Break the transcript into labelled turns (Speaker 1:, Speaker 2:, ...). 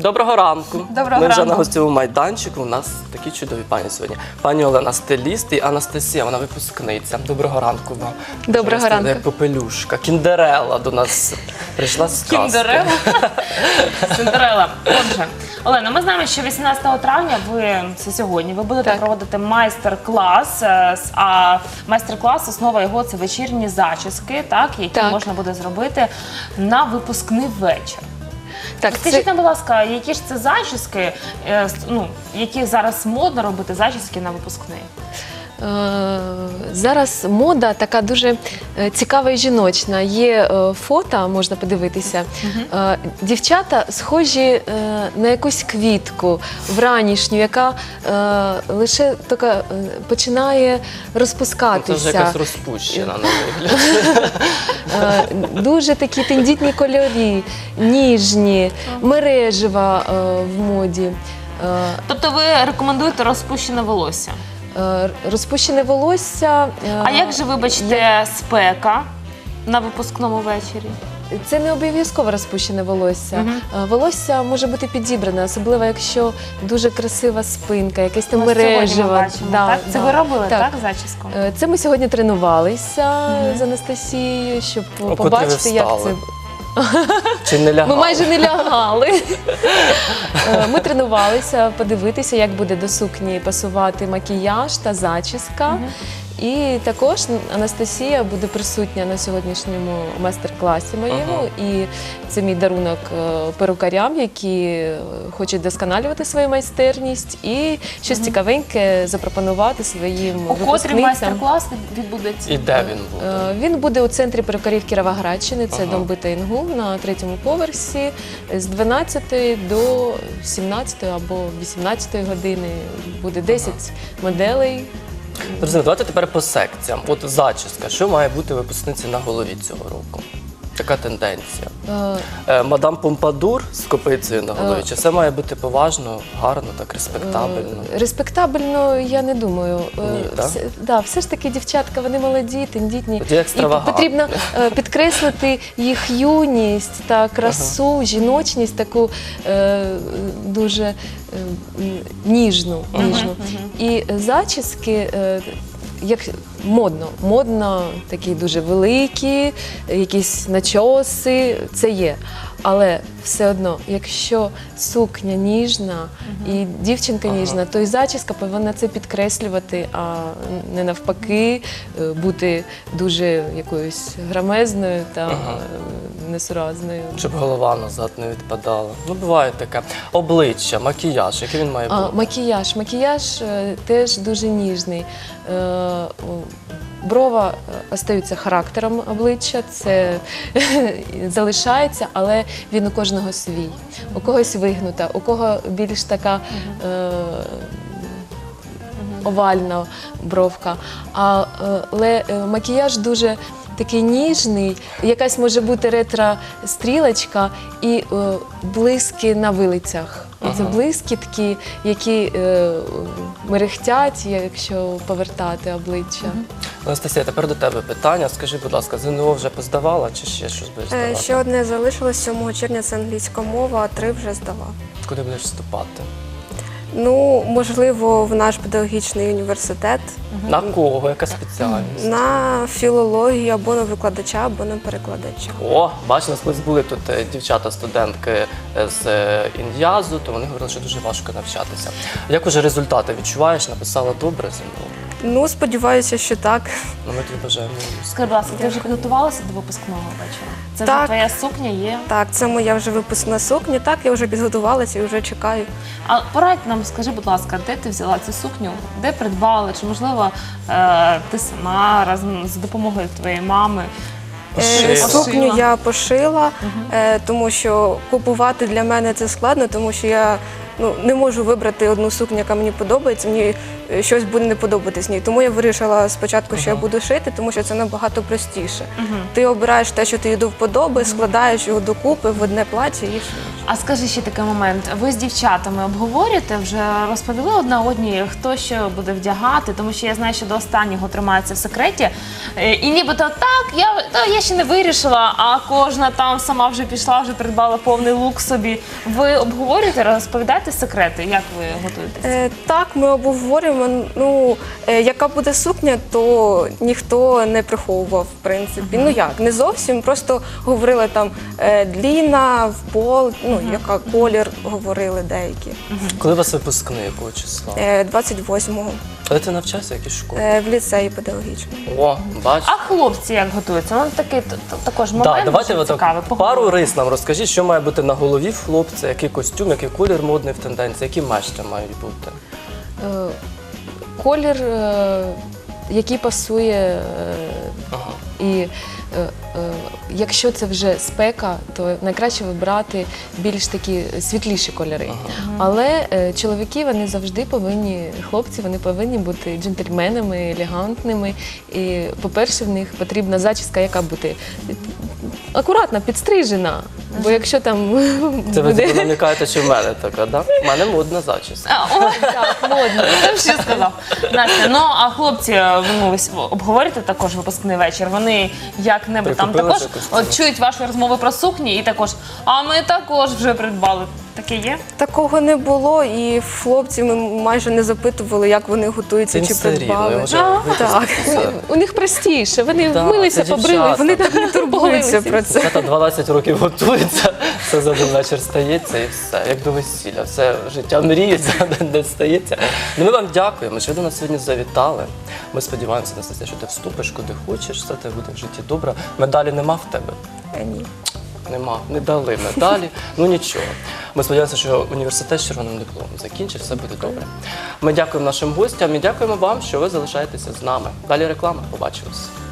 Speaker 1: Доброго ранку.
Speaker 2: Доброго
Speaker 1: Ми вже
Speaker 2: ранку.
Speaker 1: на гостьовому майданчику. У нас такі чудові пані сьогодні. Пані Олена стиліст і Анастасія, вона випускниця. Доброго ранку вам.
Speaker 2: Доброго ранку.
Speaker 1: Як попелюшка. Кіндерелла до нас прийшла з казки.
Speaker 3: Кіндерелла. Синдерелла. Отже, Олена, ми знаємо, що 18 травня це сьогодні, ви будете проводити майстер-клас, а майстер-клас, основа його – це вечірні зачіски, які можна буде зробити на випускний вечір.
Speaker 2: Так,
Speaker 3: Скажіть нам, будь ласка, які ж це зачіски, які зараз модно робити зачіски на випускний?
Speaker 2: Зараз мода така дуже цікава і жіночна. Є фото, можна подивитися. Дівчата схожі на якусь квітку вранішню, яка лише тільки починає розпускатися.
Speaker 1: Це вже якась розпущена на вигляд.
Speaker 2: Дуже такі тендітні кольори, ніжні, мережева в моді.
Speaker 3: Тобто ви рекомендуєте розпущене волосся?
Speaker 2: Розпущене волосся.
Speaker 3: А як же, вибачте, спека на випускному вечорі?
Speaker 2: Це не обов'язково розпущене волосся. Волосся може бути підібране, особливо якщо дуже красива спинка, якесь там мережево.
Speaker 3: Це ви робили, так, зачіску?
Speaker 2: Це ми сьогодні тренувалися з Анастасією, щоб побачити, як це.
Speaker 1: Чи не лягали?
Speaker 2: Ми майже не лягали. Ми тренувалися, подивитися, як буде до сукні пасувати макіяж та зачіска. І також Анастасія буде присутня на сьогоднішньому майстер-класі моєму. І це мій дарунок перукарям, які хочуть досконалювати свою майстерність і щось цікавеньке запропонувати своїм випускницям.
Speaker 3: У котрий майстер-клас відбудеться?
Speaker 1: І де він буде?
Speaker 2: Він буде у центрі перукарів Кіровоградщини, це дом Бита Інгул на 3-му поверсі з 12 до 17 або 18 години. Буде 10 моделей.
Speaker 1: Друзі, давайте тепер по секціям. От зачіска. Що має бути випускниці на голові цього року? Така тенденція. Мадам Помпадур з копицею на голові? Чи все має бути поважно, гарно, так респектабельно?
Speaker 2: Респектабельно, я не думаю.
Speaker 1: Ні, так?
Speaker 2: Все ж таки дівчатка, вони молоді, тендітні.
Speaker 1: Тоді екстравагантні.
Speaker 2: І потрібно підкреслити їх юність та красу, жіночність, таку дуже ніжну. І зачіски, як модно, такі дуже великі, якісь начоси, це є. Але все одно, якщо сукня ніжна і дівчинка ніжна, то і зачіска повинна це підкреслювати, а не навпаки бути дуже якоюсь грамезною та несуразною.
Speaker 1: Щоб голова назад не відпадала. Ну, буває таке. Обличчя, макіяж, який він має бути?
Speaker 2: Макіяж теж дуже ніжний. Брова остаються характером обличчя, це залишається, але він у кожного свій. У когось вигнута, у кого більш така овальна бровка. Але макіяж дуже такий ніжний, якась може бути ретро-стрілочка і блиски на вилицях. Це блискітки, які мерехтять, якщо повертати обличчя.
Speaker 1: Анастасія, тепер до тебе питання. Скажи, будь ласка, ЗНО вже поздавала чи ще щось будеш здавати?
Speaker 4: Ще одне залишилось, 7 червня це англійська мова, а 3 вже здала.
Speaker 1: Куди будеш вступати?
Speaker 4: Ну, можливо, в наш педагогічний університет.
Speaker 1: На кого? Яка спеціальність?
Speaker 4: На філологію або на викладача, або на перекладача.
Speaker 1: О, бачиш, у нас колись були тут дівчата-студентки з Ін'язу, то вони говорили, що дуже важко навчатися. Як уже результати відчуваєш? Написала добре ЗНО?
Speaker 4: Ну, сподіваюся, що так.
Speaker 1: Ну, ми тобі бажаємо.
Speaker 3: Скажи, будь ласка, ти вже підготувалася до випускного вечора? Це вже
Speaker 4: Так.
Speaker 3: твоя сукня є?
Speaker 4: Так, це моя вже випускна сукня. Так, я вже підготувалася і вже чекаю.
Speaker 3: А порадь нам, скажи, будь ласка, де ти взяла цю сукню? Де придбала? Чи, можливо, ти сама разом з допомогою твоєї мами?
Speaker 4: Сукню я пошила, тому що купувати для мене це складно, тому що я не можу вибрати одну сукню, яка мені подобається. Мені щось буде не подобатись ній. Тому я вирішила спочатку, що я буду шити, тому що це набагато простіше. Ти обираєш те, що тобі до вподоби, складаєш його докупи в одне плаття і шиєш.
Speaker 3: А скажи ще такий момент. Ви з дівчатами обговорюєте, вже розповіли одна одній, хто що буде вдягати, тому що я знаю, що до останнього тримається в секреті. І нібито так, я ще не вирішила, а кожна там сама вже пішла, вже придбала повний лук собі. Ви обговорюєте, розповідаєте секрети, як ви готуєтесь?
Speaker 4: Так, ми обговорюємо. Ну, яка буде сукня, то ніхто не приховував, в принципі. Ну як, не зовсім, просто говорили там дліна, в пол, ну, яка колір, говорили деякі.
Speaker 1: Коли у вас випускний, якого числа?
Speaker 4: 28-го.
Speaker 1: Коли ти навчався в якій школі?
Speaker 4: В ліцеї педагогічному.
Speaker 1: О, бач.
Speaker 3: А хлопці як готуються? Ну такий також момент
Speaker 1: Так, давайте
Speaker 3: дуже
Speaker 1: отак
Speaker 3: цікавий.
Speaker 1: пару
Speaker 3: Поговоримо.
Speaker 1: рис нам розкажіть, що має бути на голові в хлопця, який костюм, який колір модний в тенденції, які мешти мають бути.
Speaker 2: Колір, який пасує, і якщо це вже спека, то найкраще вибрати більш такі світліші кольори. Але чоловіки, вони завжди повинні, хлопці, вони повинні бути джентльменами, елегантними. І, по-перше, в них потрібна зачіска, яка буде акуратно підстрижена. Бо якщо там
Speaker 1: Це ви
Speaker 2: буде...
Speaker 1: намікаєте, що в мене така, да? В мене модна зачіска.
Speaker 3: Так, модно. Ти ще сказав. Настя, ну а хлопці, ну, ви обговорюєте також випускний вечір? Вони як-небудь там
Speaker 1: Прикупили
Speaker 3: також
Speaker 1: вже костюми?
Speaker 3: от чують ваші розмови про сукні і також, а ми також вже придбали. Таке є?
Speaker 4: Такого не було, і хлопців ми майже не запитували, як вони готуються
Speaker 1: Це
Speaker 4: чи
Speaker 1: все рівно,
Speaker 4: придбали.
Speaker 1: вже
Speaker 4: Так.
Speaker 2: У них простіше, вони
Speaker 1: Так,
Speaker 2: вмилися,
Speaker 1: це
Speaker 2: побрили,
Speaker 1: дівчата.
Speaker 2: вони там не
Speaker 4: Турбуються про це.
Speaker 1: Дівчата 12 років готуються, все за один вечір стається і все, як до весілля. Все життя мріє, за один день стається. Ну, ми вам дякуємо, що ви до нас сьогодні завітали. Ми сподіваємося, Настасія, що ти вступиш куди хочеш, все тебе буде в житті добре. Медалі нема в тебе?
Speaker 4: Ні.
Speaker 1: Нема, не дали медалі, ну нічого. Ми сподіваємося, що університет з червоним дипломом закінчить, все буде добре. Ми дякуємо нашим гостям і дякуємо вам, що ви залишаєтеся з нами. Далі реклама, побачимось.